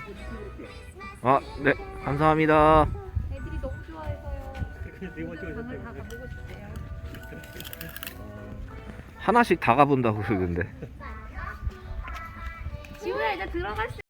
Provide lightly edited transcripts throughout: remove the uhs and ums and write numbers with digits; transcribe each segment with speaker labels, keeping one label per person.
Speaker 1: 아, 네, 감사합니다.
Speaker 2: 애들이 너무 좋아해서요. 방을 다 가보고 싶대요.
Speaker 1: 하나씩 다 가본다고 그러던데.
Speaker 2: 지우야 이제 들어갈 수.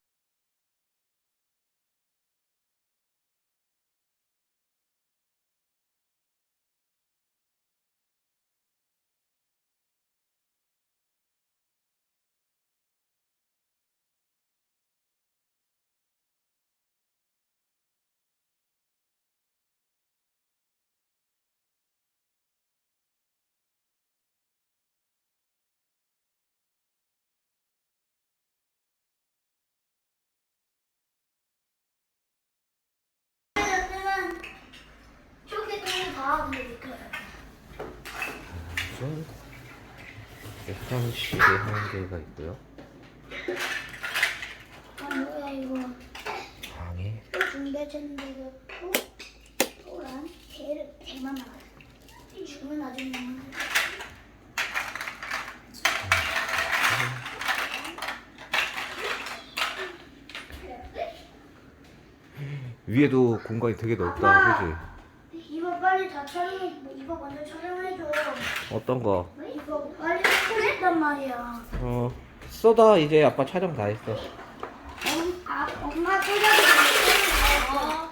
Speaker 1: 화장실에 하는 데가 있고요.
Speaker 3: 아 뭐야 이거
Speaker 1: 방에
Speaker 3: 또 준비해주는 데가 있고 또란 개를 대만 나가 죽으면 아줌마
Speaker 1: 위에도 공간이 되게 넓다, 그지?
Speaker 3: 이거 빨리 다 촬영해. 이거 먼저 촬영해줘.
Speaker 1: 어떤 거?
Speaker 3: 이거 빨리 촬영했단 말이야.
Speaker 1: 쏟아. 이제 아빠 촬영 다 했어.
Speaker 3: 엄마 촬영해.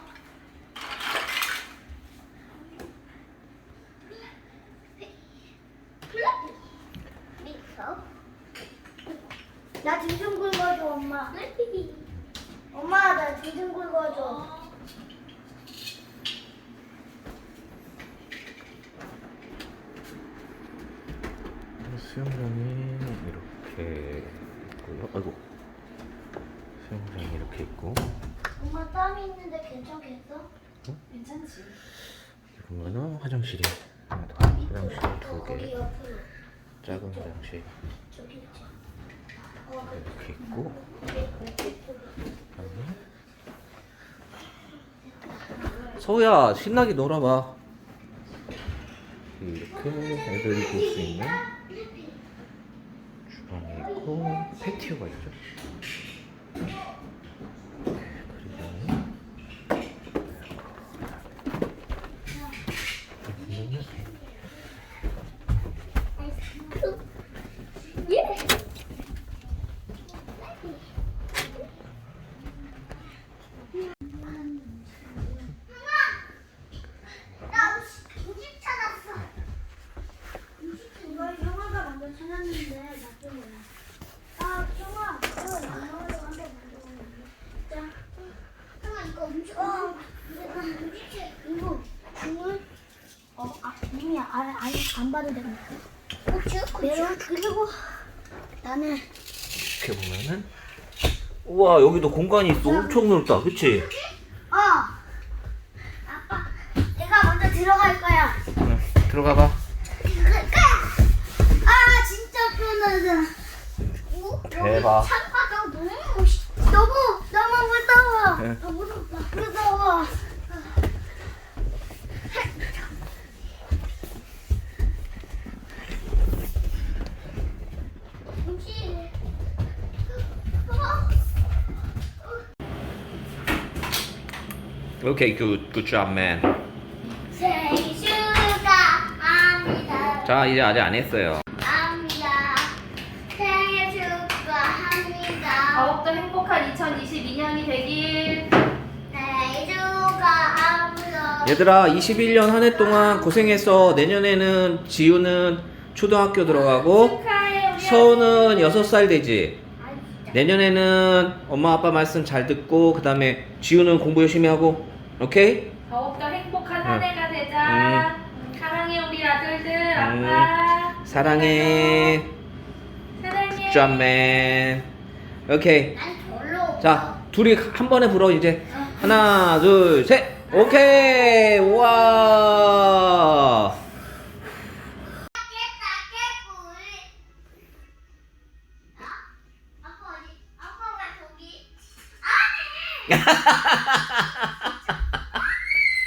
Speaker 3: 나 등 좀 긁어줘 엄마. 엄마 나 등 좀 긁어줘.
Speaker 1: 수영장이 이렇게 있고요. 아이고, 수영장이 이렇게 있고.
Speaker 3: 엄마 땀이 있는데 괜찮겠어?
Speaker 2: 괜찮지?
Speaker 1: 보면은 화장실이 하나 더. 화장실 두
Speaker 3: 거기
Speaker 1: 개.
Speaker 3: 옆으로
Speaker 1: 작은 화장실
Speaker 3: 저기 있지.
Speaker 1: 이렇게 있고. 서우야, 신나게 놀아봐. 이렇게 애들이 볼 수 있는 주방이 있고 패티오가 있죠.
Speaker 3: 예. 음식 찾았어. 이거 형아가 먼저 찾았는데 나쁜 거야. 아, 형아, 이거 영어로 한번 만들었는데. 자, 형아 이거 음식. 내가 음식체 이거 주문. 이미 안 봐도 됩니다. 메론 그리고 나는
Speaker 1: 이렇게 보면은 우와, 여기도 공간이 있어. 엄청 넓다, 그치?
Speaker 3: 아빠 내가 먼저 들어갈 거야.
Speaker 1: 응, 들어가 봐.
Speaker 3: 아 진짜 편하다.
Speaker 1: 대박.
Speaker 3: 창바가 너무 무서워.
Speaker 1: 네.
Speaker 3: 무서워.
Speaker 1: 오케이, good job, man.
Speaker 3: 생일 축하합니다.
Speaker 1: 자, 이제 아직 안 했어요.
Speaker 3: 합니다. 생일 축하합니다.
Speaker 2: 더욱더 행복한 2022년이 되길.
Speaker 3: 생일 축하합니다.
Speaker 1: 얘들아, 21년 한 해 동안 고생했어. 내년에는 지우는 초등학교 들어가고
Speaker 2: 축하해 우리
Speaker 1: 서우는 6살 되지.
Speaker 3: 아, 진짜.
Speaker 1: 내년에는 엄마 아빠 말씀 잘 듣고 그 다음에 지우는 공부 열심히 하고. 오케이?
Speaker 2: 더욱더 행복한 한 해가 되자. 사랑해 우리 아들들. 아빠
Speaker 1: 사랑해.
Speaker 2: 사랑해.
Speaker 1: 굿잡맨. 오케이.
Speaker 3: 난 별로.
Speaker 1: 자, 둘이 한 번에 불어 이제. 하나, 둘, 셋. 오케이. 우와.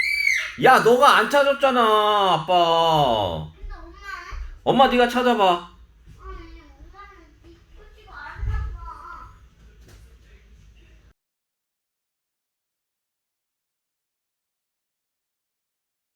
Speaker 1: 야, 너가 안 찾았잖아, 아빠.
Speaker 3: 근데 엄마
Speaker 1: 엄마 네가 찾아봐.